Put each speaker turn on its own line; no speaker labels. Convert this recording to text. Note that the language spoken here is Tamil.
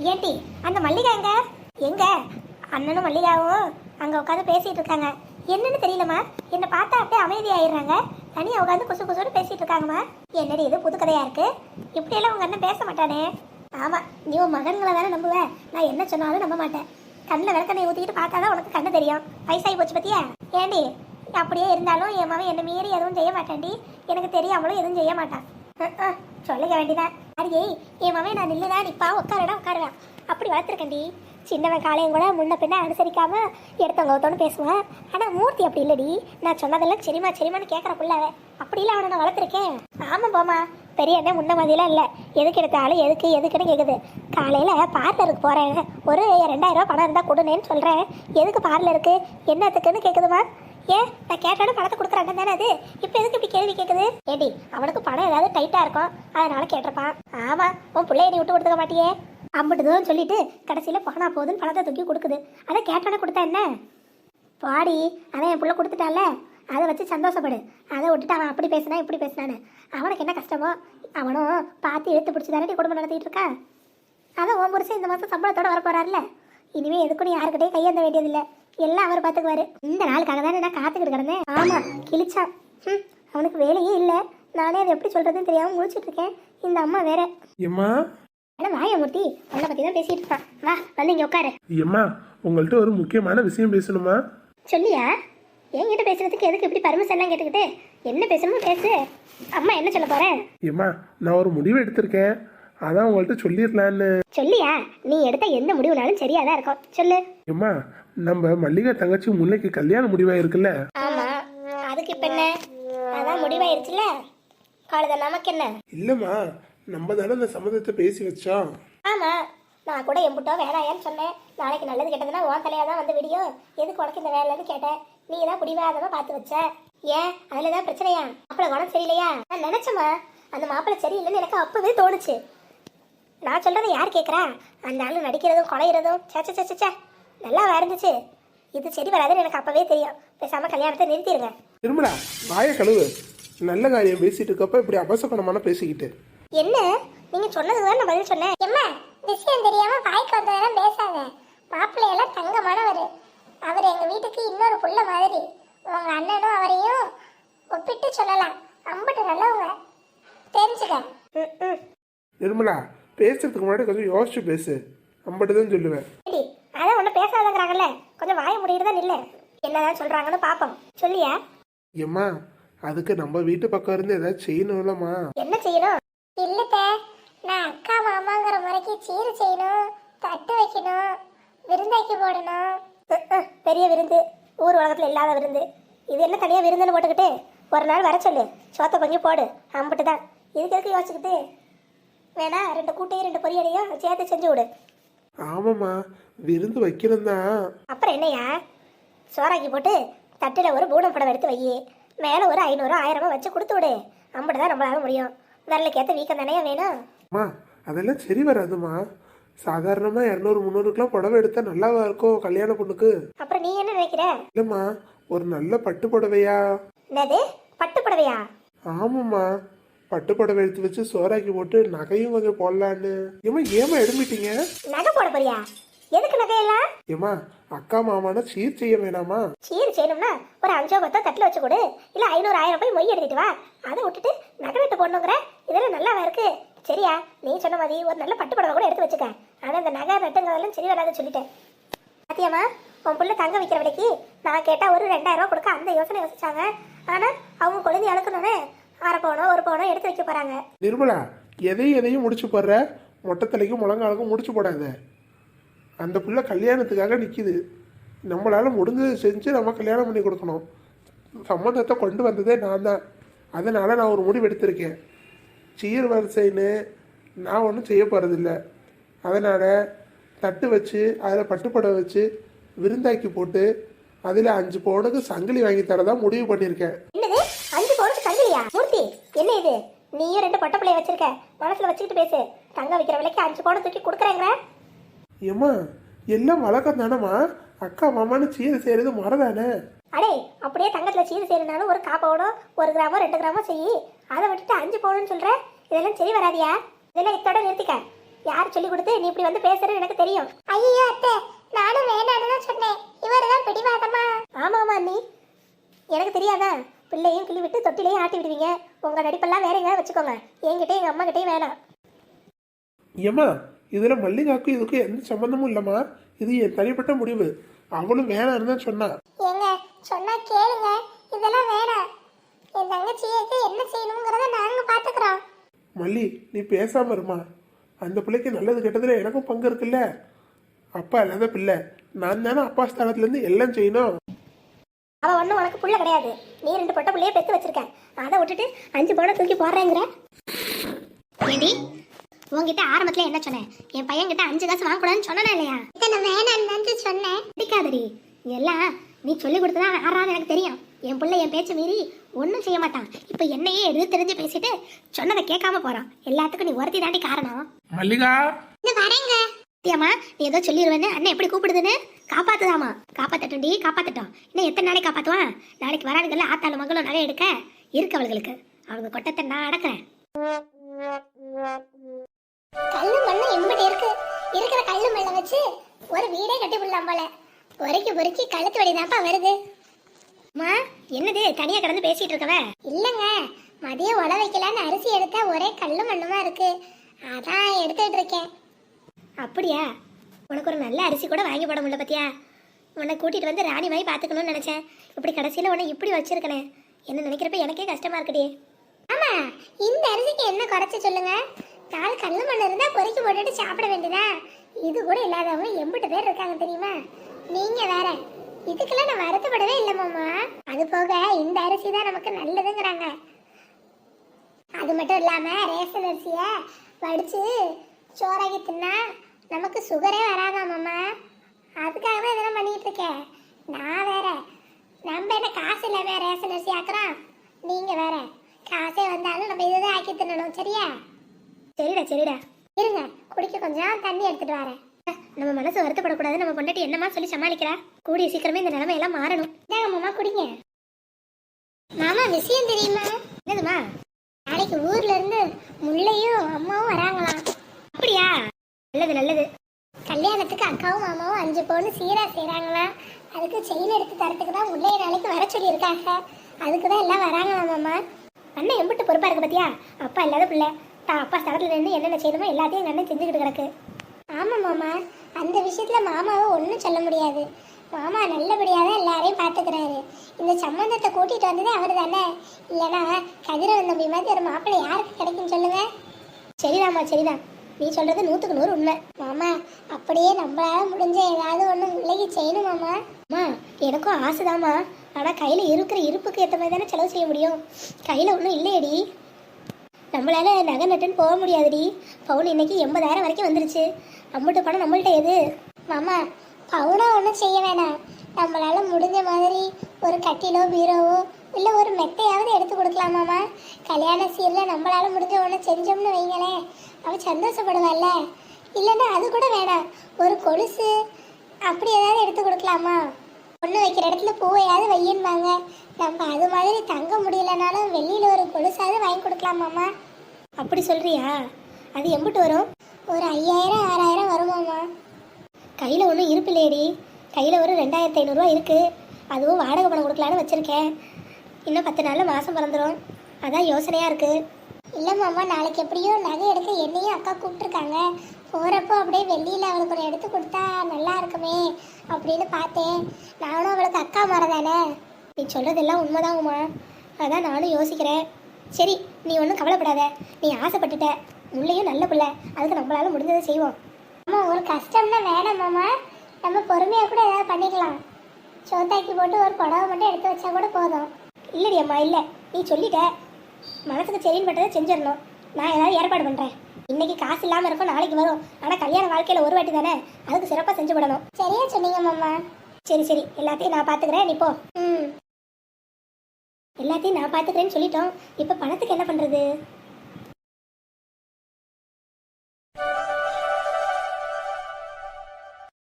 ஏன்டி அந்த மல்லிகா எங்க அண்ணனும் மல்லிகாவும் அங்க உட்காந்து பேசிட்டு இருக்காங்க. என்னன்னு தெரியலம்மா, என்ன பார்த்தா அப்படியே அமைதியாயிடுறாங்க. தனியா உட்காந்து குசு குசுன்னு பேசிட்டு இருக்காங்கம்மா. என்னடி இது புது கதையா இருக்கு? இப்படியெல்லாம் உங்க அண்ணன் பேச மாட்டானே. ஆமா, நீ உன் மகன்களை தானே நம்புவ. நான் என்ன சொன்னாலும் நம்ப மாட்டேன். கண்ணில் விளக்கண்ணை ஊற்றிக்கிட்டு பார்த்தாதான் உனக்கு கண்ணு தெரியும். வயசாகி போச்சு பத்தியா? ஏண்டி அப்படியே இருந்தாலும் என் மகன் என்னை மீறி எதுவும் செய்ய மாட்டான்டி. எனக்கு தெரியாமலும் எதுவும் செய்ய மாட்டான். சொல்லிக்க வேண்டியதான். அடியே என் மகன் நான் நில்லுதான் நிப்பா, உட்காருவேன். அப்படி வளர்த்துருக்கேன்டி. சின்னவன் காலையும் கூட முன்ன பின்ன அனுசரிக்காம எடுத்தவங்க ஒருத்தவனு பேசுவேன். ஆனால் மூர்த்தி அப்படி இல்லடி. நான் சொன்னதெல்லாம் சரிமான்னு கேட்குற புள்ளாவே. அப்படி இல்லை அவனை நான் வளர்த்துருக்கேன். ஆமாம் போமா, பெரிய அண்ணன் முன்ன மாதிரிலாம் இல்லை. எதுக்கு எடுத்தாலும் எதுக்குன்னு கேட்குது. காலையில் பார்லருக்கு போகிறேன், ஒரு 2000 ரூபா பணம் இருந்தால் கொடுனேன்னு சொல்கிறேன். எதுக்கு பார்லருக்கு என்னத்துக்குன்னு கேட்குதுமா. ஏன் நான் கேட்டாலும் பணத்தை கொடுக்குறாங்க தானே அது. இப்போ எதுக்கு இப்படி கேள்வி கேட்குது? ஏடி அவனுக்கு பணம் ஏதாவது டைட்டாக இருக்கும், அதனால கேட்டிருப்பான். ஆமாம், உன் பிள்ளைய நீ விட்டு கொடுத்துக்க மாட்டியே. அம்பிட்டுதுன்னு சொல்லிட்டு கடைசியில் போனா போகுதுன்னு பணத்தை தூக்கி கொடுக்குது. அதை கேட்டானே கொடுத்தா என்ன பாடி? அதை என் பிள்ளை கொடுத்துட்டால, அதை வச்சு சந்தோஷப்படு. அதை விட்டுட்டு அவன் அப்படி பேசினா இப்படி பேசினான்னு அவனுக்கு என்ன கஷ்டமோ? அவனும் பார்த்து எடுத்து பிடிச்சி தானே குடும்பம் நடத்திட்டு இருக்கான். அதான் உன் புருஷன் இந்த மாதம் சம்பளத்தோட வர போறாருல. இனிமே எதுக்கும் யாருக்கிட்டையும் கையேந்த வேண்டியதில்லை, எல்லாம் அவர் பார்த்துக்குவாரு. இந்த நாளுக்காக தானே நான் காத்துக்கிட்டு கிடந்தேன். ஆமா, கிழிச்சான். அவனுக்கு வேலையே இல்லை. நானே அதை எப்படி சொல்றதுன்னு தெரியாம முடிச்சுட்டு இருக்கேன். இந்த அம்மா வேற. வாயமூர்த்தி உன்னை பத்தி தான் பேசிட்டு இருக்கான். வா வந்து இங்க உட்காரு.
ஏம்மா, உங்கள்கிட்ட ஒரு முக்கியமான விஷயம் பேசணுமா?
சொல்லியா? என்கிட்ட பேசுறதுக்கு எதுக்கு இப்படி பர்மிஷன் எல்லாம் கேட்டுக்கிட்டு? என்ன பேசணுமோ பேசு. அம்மா என்ன சொல்ல போறேன்?
ஏம்மா, நான் ஒரு முடிவு எடுத்திருக்கேன், அதான் உங்கள்கிட்ட சொல்லிடலான்னு.
சொல்லியா? நீ எடுத்த எந்த முடிவுனாலும் சரியாதான் இருக்கும், சொல்லு.
ஏம்மா, நம்ம மல்லிகா தங்கச்சி முல்லைக்கு கல்யாண முடிவா இருக்குல்ல?
ஆமா, அதுக்கு இப்ப என்ன? அதான் முடிவாயிருச்சுல, காலத நமக்கு என்ன?
இல்லம்மா, நம்ம தானே அந்த சம்மதத்தை பேசி வச்சோம்.
ஆமா, நான் கூட எம்புட்டோ வேணாயான்னு சொன்னேன். நாளைக்கு நல்லது கெட்டதுன்னா உன் தலையா தான் வந்து விடியும். எதுக்கு உனக்கு இந்த வேலைன்னு கேட்டேன். நீ தான் பிடிவாதமா பார்த்து வச்ச. ஏன் அதுலதான் பிரச்சனையா? மாப்பிள்ளை குணம் சரியில்லையா? நான் நினைச்சேம்மா, அந்த மாப்பிள்ளை சரியில்லைன்னு எனக்கு அப்பவே தோணுச்சு. நான் சொல்றதை யார் கேட்கறா? அந்த ஆளு நடிக்கிறதும் கொலைகிறதும் சேச்சே நல்லா இருந்துச்சு. இது சரி வராதுன்னு எனக்கு அப்பவே தெரியும். பேசாம கல்யாணத்தை நிறுத்திடுங்க.
திரும்படா வாய கழுவு. நல்ல காரியம் பேசிட்டு இருக்கப்ப இப்படி அபசகுணமான பேசிக்கிட்டு
என்ன? நீங்க சொன்னதுதான் நான் பதில் சொன்னேன். எம்மா, விஷயம் தெரியாம வாய்க்கு வந்ததெல்லாம் பேசாத. மாப்பிள்ளையெல்லாம் தங்கமானவர். அவர் எங்க வீட்டுக்கு இன்னொரு புள்ள மாதிரி. உங்க அண்ணனும் அவரையும் ஒப்பிட்டு சொல்லலாம். அம்பட்டு நல்லவங்க, தெரிஞ்சுக்க.
நிர்மலா, பேசுறதுக்கு முன்னாடி கொஞ்சம் யோசிச்சு பேசு. அம்பட்டுதான் சொல்லுவேன்.
அதான் ஒன்னும் பேசாதங்கிறாங்கல்ல, கொஞ்சம் வாய முடியிட்டு தான் இல்லை. என்னதான் சொல்றாங்கன்னு பாப்போம். சொல்லியா?
ஏம்மா, அதுக்கு நம்ம வீட்டு பக்கம் இருந்து ஏதாவது செய்யணும்லம்மா.
என்ன செய்யணும்? இல்லத்த, நான் அக்கா மாமாங்கிற முறைக்கு சீர் செய்யணும், தட்டு வைக்கணும், விருந்தாக்கி போடணும். பெரிய விருந்து, ஊர் உலகத்துல இல்லாத விருந்து. இது என்ன தனியா விருந்துன்னு போட்டுக்கிட்டு ஒரு நாள் வர சொல்லு, சோத்த கொஞ்சம் போடு. அம்பிட்டு தான். இதுக்கு எதுக்கு யோசிச்சுக்கிட்டு? வேணா 2 கூட்டையும் 2 பொரியலையும் சேர்த்து செஞ்சு விடு.
ஆமாம்மா, விருந்து வைக்கணும் தான்.
அப்புறம் என்னையா, சோறாக்கி போட்டு தட்டுல ஒரு பூனம் படம் எடுத்து வை. மேலே ஒரு 500 1000 வச்சு கொடுத்து விடு. அம்பிட்டு தான் நம்மளால முடியும். விரலுக்கு ஏற்ற வீக்கம் தானே வேணும்.
அம்மா, அதெல்லாம் சரி வராதுமா. சாதாரணமா 200 300 புடவை எடுத்தா நல்லாவா இருக்கும் கல்யாண பொண்ணுக்கு?
அப்புறம் நீ என்ன நினைக்கிற?
இல்லம்மா, ஒரு நல்ல பட்டு புடவையா.
என்னது பட்டு புடவையா?
ஆமாம்மா, பட்டு புடவை எடுத்து வச்சு சோறாக்கி போட்டு நகையும் கொஞ்சம் போடலான்னு. ஏமா எடுமிட்டீங்க?
நகை போட போறியா? எதுக்கு நகையெல்லாம்?
ஏமா, அக்கா மாமான சீர் செய்ய வேணாமா?
சீர் செய்யணும்னா ஒரு 5 10 தட்டுல வச்சு கொடு. இல்ல 500 1000 போய் மொய் எடுத்துட்டு வா. அதை விட்டுட்டு நகை வெட்டு போடணுங்கிற? இதெல்லாம் நல்லாவா இருக்கு? சரியா? நீ சொன்ன மாதிரி ஒரு நல்ல பட்டு புடவை கூட எடுத்து வச்சுக்க. ஆனா இந்த நகை நட்டுங்கிறதெல்லாம் சரி வராதுன்னு சொல்லிட்டேன். பாத்தியாமா, உன் பிள்ளை தங்க வைக்கிற விலைக்கு நான் கேட்டா ஒரு 2000 ரூபா கொடுக்க அந்த யோசனை யோசிச்சாங்க. ஆனா அவங்க குழந்தை அழுக்கணும்னு 1/2 பவுனோ 1 பவுனோ எடுத்து வைக்க போறாங்க.
நிர்மலா, எதையும் முடிச்சு போடுற. மொட்டை தலைக்கும் முழங்காலுக்கும் முடிச்சு போடாத. அந்த பிள்ளை கல்யாணத்துக்காக நிற்கிது. நம்மளால முடிஞ்சதை செஞ்சு நம்ம கல்யாணம் பண்ணி கொடுக்கணும். சம்மந்தத்தை கொண்டு வந்ததே நான் தான். அதனால் நான் ஒரு முடிவு எடுத்திருக்கேன். சீர் வரிசைன்னு நான் ஒன்றும் செய்ய போகிறதில்ல. அதனால் தட்டு வச்சு அதில் பட்டுப்படவை வச்சு விருந்தாக்கி போட்டு அதில் 5 பவுனுக்கு சங்கிலி வாங்கி தரதா முடிவு பண்ணியிருக்கேன்.
என்னது 5 பவுனுக்கு சங்கிலியா? மூர்த்தி, என்ன இது? நீயும் 2 பொட்டை பிள்ளைய வச்சிருக்க, மனசுல வச்சுக்கிட்டு பேசு. தங்க வைக்கிற விலைக்கு 5 பவுன் தூக்கி கொடுக்குறேங்கிற?
ஏம்மா, எல்லாம் வழக்கம் தானம்மா. அக்கா மாமான்னு சீர் செய்யறது மறதானே.
அடே, அப்படியே தங்கத்துல சீர் செய்யறனாலும் ஒரு 1/4 பவுனோ 1 கிராமோ 2 கிராமோ செய்யி. அதை விட்டுட்டு 5 பவுனுன்னு சொல்ற? இதெல்லாம் சரி வராதியா? இதெல்லாம் இத்தோட நிறுத்திக்க. யார் சொல்லி கொடுத்து நீ இப்படி வந்து பேசுறது எனக்கு தெரியும். ஐயோ அத்தை, நானும் வேண்டான்னு தான் சொன்னேன். இவர் தான் பிடிவாதமா. ஆமாமா அண்ணி, எனக்கு தெரியாதா? பிள்ளையும் கிள்ளி விட்டு தொட்டிலையும் ஆட்டி விடுவீங்க. உங்க நடிப்பெல்லாம் வேற எங்கேயாவது வச்சுக்கோங்க. என்கிட்டயும் எங்க அம்மா கிட்டயும் வேணாம்.
ஏம்மா இதில் மல்லிகாவுக்கும் இதுக்கும் எந்த சம்மந்தமும் இல்லைம்மா. இது என் தனிப்பட்ட முடிவு. அவளும் வேணான்னு தான் சொன்னா.
ஏங்க சொன்னா கேளுங்க, இதெல்லாம் வேணாம். என் தங்கச்சிக்கு என்ன செய்யணுங்கிறத நாங்க பாத்துக்கிறோம்.
மல்லி நீ பேசாம இருமா. அந்த பிள்ளைக்கு நல்லது கெட்டதுல எனக்கும் பங்கு இருக்குல்ல. அப்பா இல்லாத பிள்ளை, நான் தானே அப்பா ஸ்தானத்துலேருந்து எல்லாம் செய்யணும்.
அவ ஒன்றும் உனக்கு புள்ள கிடையாது. நீ 2 பொட்ட புள்ளையே பெற்று வச்சிருக்க. அதை விட்டுட்டு 5 பவுனை தூக்கி போடுறேங்கிற. ஏண்டி உங்ககிட்ட ஆரம்பத்துல என்ன சொன்னேன்? என் பையன் கிட்ட 5 காசு வாங்கக்கூடாதுன்னு சொன்னா இல்லையா? வேணான்னு சொன்னேன். பிடிக்காதடி எல்லாம் நீ சொல்லி கொடுத்ததா ஆறாது எனக்கு தெரியும். என் பிள்ளை என் பேச்ச மீறி ஒன்றும் செய்ய மாட்டான். இப்போ என்னையே எடுத்து தெரிஞ்சு பேசிட்டு சொன்னதை கேட்காம போறான். எல்லாத்துக்கும் நீ ஒருத்தி தாண்டி காரணம்.
மல்லிகா
வரேங்க. ஏமா நீ ஏதோ சொல்லிடுவேன்னு அண்ணன் எப்படி கூப்பிடுதுன்னு? காப்பாத்துதாமா. காப்பாத்தட்டும்டி, காப்பாத்தட்டும். இன்னும் எத்தனை நாளைக்கு காப்பாத்துவான்? நாளைக்கு வராதுங்கல்ல ஆத்தாளு மகளும் நகை எடுக்க இருக்கு அவளுக்கு. அவங்க கொட்டத்தை நான் அடக்கிறேன். கல்லு மண்ணு எம்பிட்டு இருக்கு. இருக்கிற கல்லு மண்ணை வச்சு ஒரு வீடே கட்டி விடலாம் போல. பொறுக்கி கழுத்து வடிதாப்பா வருது. அம்மா என்னது தனியா கிடந்து பேசிட்டு இருக்கவ? இல்லங்க, மதியம் உழ வைக்கலான்னு அரிசி எடுத்தா ஒரே கல்லு மண்ணுமா இருக்கு. அதான் எடுத்துட்டு இருக்கேன். அப்படியா? உனக்கு ஒரு நல்ல அரிசி கூட வாங்கி போட முடியல பத்தியா? உன்னை கூட்டிட்டு வந்து ராணி மாதிரி பாத்துக்கணும்னு நினைச்சேன். இப்படி கடைசியில உன்னை இப்படி வச்சிருக்கனே. என்ன நினைக்கிறப்ப எனக்கே கஷ்டமா இருக்குடி. ஆமா, இந்த அரிசிக்கு என்ன குறைச்சு சொல்லுங்க? 4 கல்லு மண் இருந்தா பொறுக்கி போட்டுட்டு சாப்பிட வேண்டியதா? இது கூட இல்லாதவங்க எம்பிட்டு பேர் இருக்காங்க தெரியுமா? நீங்க வேற. இதுக்கெல்லாம் நான் வருத்தப்படவே இல்லை மாமா. அது போக இந்த அரிசி தான் நமக்கு நல்லதுங்கிறாங்க. அது மட்டும் இல்லாம ரேஷன் அரிசிய வடிச்சு சோறாக்கி தின்னா நமக்கு சுகரே வராதா மாமா. அதுக்காக தான் இதெல்லாம் பண்ணிட்டு இருக்கேன். நான் வேற, நம்ம என்ன காசு இல்லாம ரேஷன் அரிசி ஆக்குறோம். நீங்க வேற, காசே வந்தாலும் நம்ம இதுதான் ஆக்கி தின்னணும். சரியா? சரிடா இருங்க, குடிக்க கொஞ்சம் தண்ணி எடுத்துட்டு வரேன். நம்ம மனசு வருத்தப்படக்கூடாது. நம்ம பொண்டாட்டி என்னமா சொல்லி சமாளிக்கிறா? கூடிய சீக்கிரமே இந்த நிலைமை எல்லாம் மாறணும். மாமா குடிங்க. மாமா விஷயம் தெரியுமா? என்னதுமா? நாளைக்கு ஊர்ல இருந்து முல்லையும் அம்மாவும் வராங்களாம். அப்படியா? நல்லது. கல்யாணத்துக்கு அக்காவும் மாமாவும் 5 பவுன் சீரா செய்யறாங்களா? அதுக்கு செயின் எடுத்து தரத்துக்கு தான் முல்லைய நாளைக்கு வர சொல்லி இருக்காங்க. அதுக்கு தான் எல்லாம் வராங்களாம் மாமா. அண்ணன் எம்பிட்டு பொறுப்பா இருக்கு பத்தியா? அப்பா இல்லாத பிள்ளை தான் அப்பா ஸ்தலத்துல இருந்து என்னென்ன செய்யணுமோ எல்லாத்தையும் எங்க அண்ணன் செஞ்சுக்கிட்டு கிடக்கு. ஆமா மாமா, அந்த விஷயத்துல மாமாவை ஒன்றும் சொல்ல முடியாது. மாமா நல்லபடியாக தான் எல்லாரையும் பார்த்துக்கிறாரு. இந்த சம்பந்தத்தை கூட்டிட்டு வந்ததே அவர் தானே. இல்லைன்னா கதிரவன் தம்பி மாதிரி ஒரு மாப்பிள்ளை யாருக்கு கிடைக்குன்னு சொல்லுங்க. சரிதான். நீ சொல்றது 100க்கு 100 உண்மை. மாமா அப்படியே நம்மளால முடிஞ்ச ஏதாவது ஒன்று முல்லைக்கு செய்யணும் மாமா. அம்மா எனக்கும் ஆசைதாம்மா. ஆனால் கையில் இருக்கிற இருப்புக்கு ஏற்ற மாதிரி தானே செலவு செய்ய முடியும். கையில் ஒன்றும் இல்லையடி. நம்மளால நகை நட்டுன்னு போக முடியாதுடி. பவுன் இன்னைக்கு 80,000 வரைக்கும் வந்துருச்சு. அம்பட்டு பணம் நம்மள்ட்ட எது? மாமா பவுனா ஒன்றும் செய்ய வேணாம். நம்மளால முடிஞ்ச மாதிரி ஒரு கட்டிலோ பீரோவோ இல்லை ஒரு மெத்தையாவது எடுத்து கொடுக்கலாம் மாமா. கல்யாண சீரில் நம்மளால முடிஞ்ச ஒன்று செஞ்சோம்னு வைங்களேன், அவன் சந்தோஷப்படுவாள்ல. இல்லைன்னா அது கூட வேணாம், ஒரு கொலுசு அப்படி ஏதாவது எடுத்து கொடுக்கலாமா? பொண்ணு வைக்கிற இடத்துல பூவையாவது வையன்பாங்க. நம்ம அது மாதிரி தங்க முடியலனாலும் வெளியில் ஒரு கொலுசாவது வாங்கி கொடுக்கலாமாம்மா. அப்படி சொல்றியா? அது எம்பிட்டு வரும்? ஒரு 5,000 6,000 வருமாம்மா. கையில் ஒன்றும் இருப்பில்லையடி. கையில் ஒரு 2,500 இருக்குது. அதுவும் வாடகை பணம் கொடுக்கலான்னு வச்சுருக்கேன். இன்னும் 10 நாளில் மாதம் பிறந்துடும். அதான் யோசனையாக இருக்குது. இல்லை மாமா, நாளைக்கு எப்படியோ நகை எடுக்க என்னையும் அக்கா கூப்பிட்ருக்காங்க. போகிறப்போ அப்படியே வெள்ளியில் அவளுக்கு ஒரு எடுத்து கொடுத்தா நல்லா இருக்குமே அப்படின்னு பார்த்தேன். நானும் அவளுக்கு அக்கா மாறதானே. நீ சொல்கிறதெல்லாம் உண்மைதாங்கம்மா. அதான் நானும் யோசிக்கிறேன். சரி நீ ஒன்றும் கவலைப்படாத. நீ ஆசைப்பட்டுட்ட. முள்ளையும் நல்ல பிள்ளை, அதுக்கு நம்மளால முடிஞ்சதை செய்வோம். அம்மா ஒரு கஷ்டம்னா வேணாம் மாமா, நம்ம பொறுமையாக கூட ஏதாவது பண்ணிக்கலாம். சோத்தாக்கி போட்டு ஒரு புடவை மட்டும் எடுத்து வச்சா கூட போதும். இல்லடி அம்மா, இல்லை நீ சொல்லிட்ட. மனசுக்கு சரின்னு பட்டதை செஞ்சிடணும். நான் ஏதாவது ஏற்பாடு பண்ணுறேன். இன்னைக்கு காசு இல்லாமல் இருக்கும், நாளைக்கு வரும். ஆனால் கல்யாண வாழ்க்கையில் ஒரு வாட்டி தானே, அதுக்கு சிறப்பாக செஞ்சு விடணும். சரியா சொன்னீங்க மாமா. சரி எல்லாத்தையும் நான் பார்த்துக்கிறேன். நீ போ. எல்லாத்தையும் நான் பார்த்துக்கிறேன்னு சொல்லிட்டோம். இப்போ பணத்துக்கு என்ன பண்ணுறது?